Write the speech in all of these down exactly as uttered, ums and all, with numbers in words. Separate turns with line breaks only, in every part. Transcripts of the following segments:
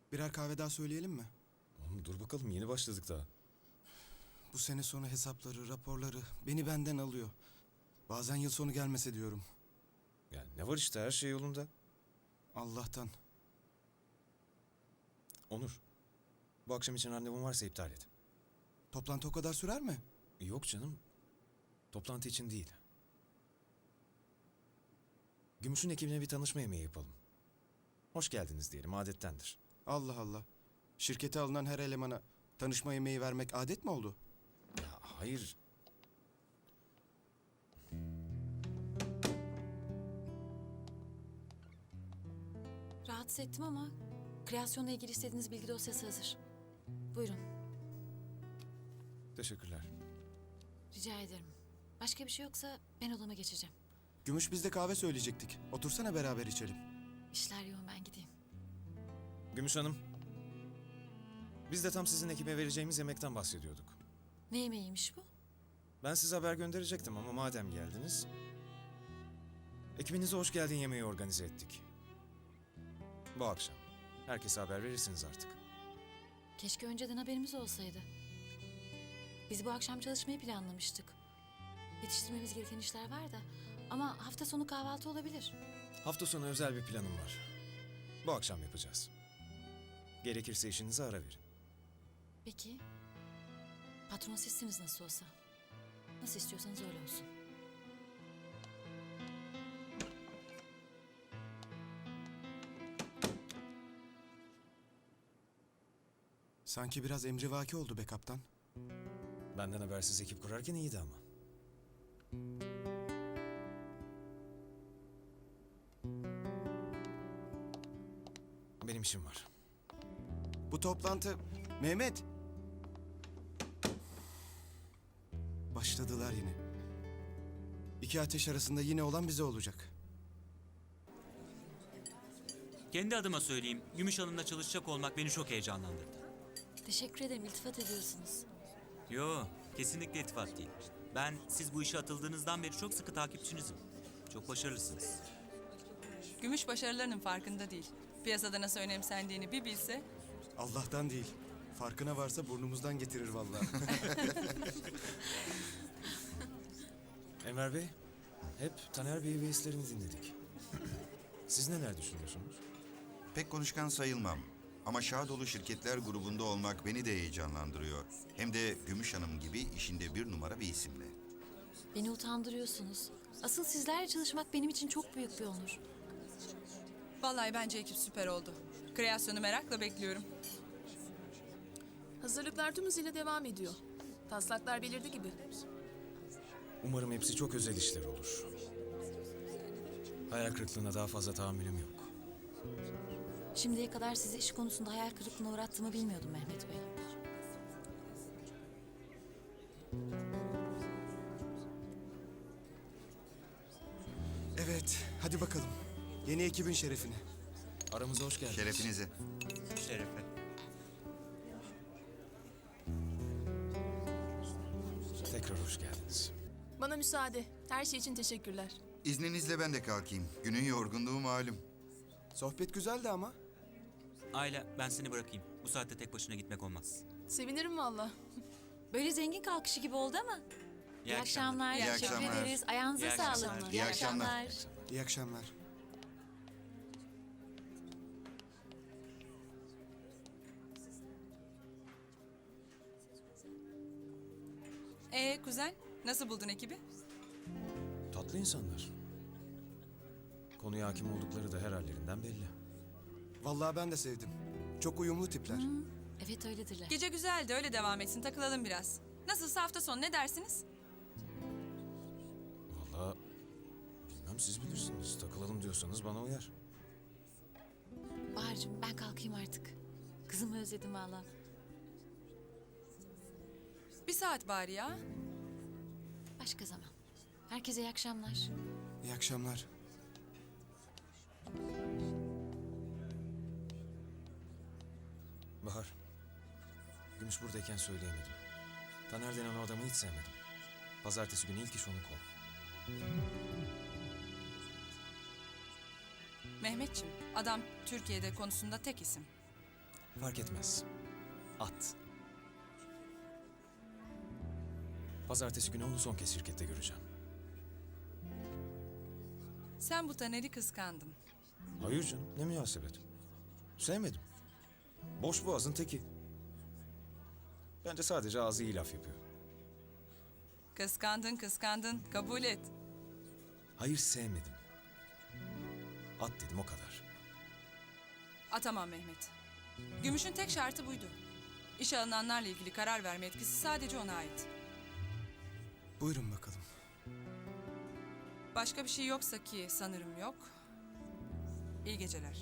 Birer kahve daha söyleyelim mi?
Oğlum dur bakalım, yeni başladık daha.
Bu sene sonu hesapları, raporları beni benden alıyor. Bazen yıl sonu gelmese diyorum.
Yani ne var işte, her şey yolunda.
Allah'tan.
Onur, bu akşam için randevun varsa iptal et.
Toplantı o kadar sürer mi?
Yok canım, toplantı için değil. Gümüş'ün ekibine bir tanışma yemeği yapalım. Hoş geldiniz diyelim, adettendir.
Allah Allah. Şirkete alınan her elemana tanışma yemeği vermek adet mi oldu?
Ya hayır,
Rahatsız ettim ama kreasyonla ilgili istediğiniz bilgi dosyası hazır. Buyurun.
teşekkürler.
Rica ederim. Başka bir şey yoksa ben odama geçeceğim.
Gümüş biz de kahve söyleyecektik. Otursana beraber içelim.
İşler yoğun, ben gideyim.
Gümüş Hanım, biz de tam sizin ekibe vereceğimiz yemekten bahsediyorduk.
Ne yemeğiymiş bu?
Ben size haber gönderecektim ama madem geldiniz... ekibinize hoş geldin yemeği organize ettik. Bu akşam. Herkese haber verirsiniz artık.
Keşke önceden haberimiz olsaydı. Biz bu akşam çalışmayı planlamıştık. Yetiştirmemiz gereken işler var da. Ama hafta sonu kahvaltı olabilir.
Hafta sonu özel bir planım var. Bu akşam yapacağız. Gerekirse işinize ara verin.
Peki. Patron sizsiniz nasıl olsa. Nasıl istiyorsanız öyle olsun.
Sanki biraz emrivaki oldu be kaptan.
Benden habersiz ekip kurarken iyiydi ama. Benim işim var.
Bu toplantı... Mehmet! Başladılar yine. İki ateş arasında yine olan bize olacak.
Kendi adıma söyleyeyim, Gümüş Hanım'la çalışacak olmak beni çok heyecanlandırdı.
Teşekkür ederim, iltifat ediyorsunuz.
Yo, kesinlikle iltifat değil. Ben siz bu işe atıldığınızdan beri çok sıkı takipçinizim. Çok başarılısınız.
Gümüş başarılarının farkında değil. Piyasada nasıl önemsendiğini bir bilse...
Allah'tan değil. Farkına varsa burnumuzdan getirir vallahi.
Enver Bey, hep Taner Bey ve hislerini dinledik. Siz neler düşünüyorsunuz?
Pek konuşkan sayılmam. Ama Şahdolu Şirketler grubunda olmak beni de heyecanlandırıyor. Hem de Gümüş Hanım gibi işinde bir numara bir isimle.
Beni utandırıyorsunuz. Asıl sizlerle çalışmak benim için çok büyük bir onur.
Vallahi bence ekip süper oldu. Kreasyonu merakla bekliyorum.
Hazırlıklar tüm hızıyla devam ediyor. Taslaklar belirdi gibi.
Umarım hepsi çok özel işler olur. Hayal kırıklığına daha fazla tahammülüm yok.
Şimdiye kadar sizi iş konusunda hayal kırıklığına uğrattığımı bilmiyordum Mehmet Bey.
Evet, hadi bakalım. Yeni ekibin şerefine.
Aramıza hoş geldiniz.
Şerefinize.
Şerefe.
Tekrar hoş geldiniz.
Bana müsaade. Her şey için teşekkürler.
İzninizle ben de kalkayım. Günün yorgunluğu malum.
Sohbet güzeldi ama.
Ayla, ben seni bırakayım. Bu saatte tek başına gitmek olmaz.
Sevinirim valla.
Böyle zengin kalkışı gibi oldu ama. İyi, akşamlar.
İyi
Teşekkür
akşamlar.
ederiz. Ayağınıza
İyi
sağlık.
akşamlar.
İyi akşamlar.
İyi akşamlar.
Ee kuzen, nasıl buldun ekibi?
Tatlı insanlar. Konuya hakim oldukları da her hallerinden belli.
Vallahi ben de sevdim. Çok uyumlu tipler.
Evet, öyledirler.
Gece güzeldi, öyle devam etsin. Takılalım biraz. Nasılsa hafta sonu ne dersiniz?
Vallahi bilmem, siz bilirsiniz. Takılalım diyorsanız bana uyar.
Bahar'cığım, ben kalkayım artık. Kızımı özledim valla.
Bir saat bari ya.
Başka zaman. Herkese iyi akşamlar.
İyi akşamlar.
Bahar, Gümüş buradayken söyleyemedim. Taner denen o adamı hiç sevmedim. Pazartesi günü ilk iş onu kov.
Mehmetçim, adam Türkiye'de konusunda tek isim.
Fark etmez. At. Pazartesi günü onu son kez şirkette göreceğim.
Sen bu Taner'i kıskandın.
Hayır canım, ne münasebet. Sevmedim. Boş boğazın teki. Bence sadece ağzı iyi laf yapıyor.
Kıskandın, kıskandın. Kabul et.
Hayır, sevmedim. At dedim, o kadar.
Atamam Mehmet. Gümüş'ün tek şartı buydu. İşe alınanlarla ilgili karar verme etkisi sadece ona ait.
Buyurun bakalım.
Başka bir şey yoksa ki sanırım yok. İyi geceler.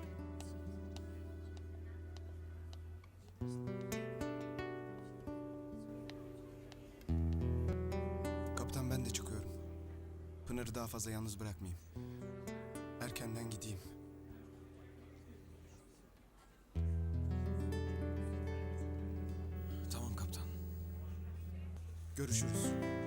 Kaptan, ben de çıkıyorum. Pınar'ı daha fazla yalnız bırakmayayım. Erkenden gideyim.
Tamam kaptan.
Görüşürüz.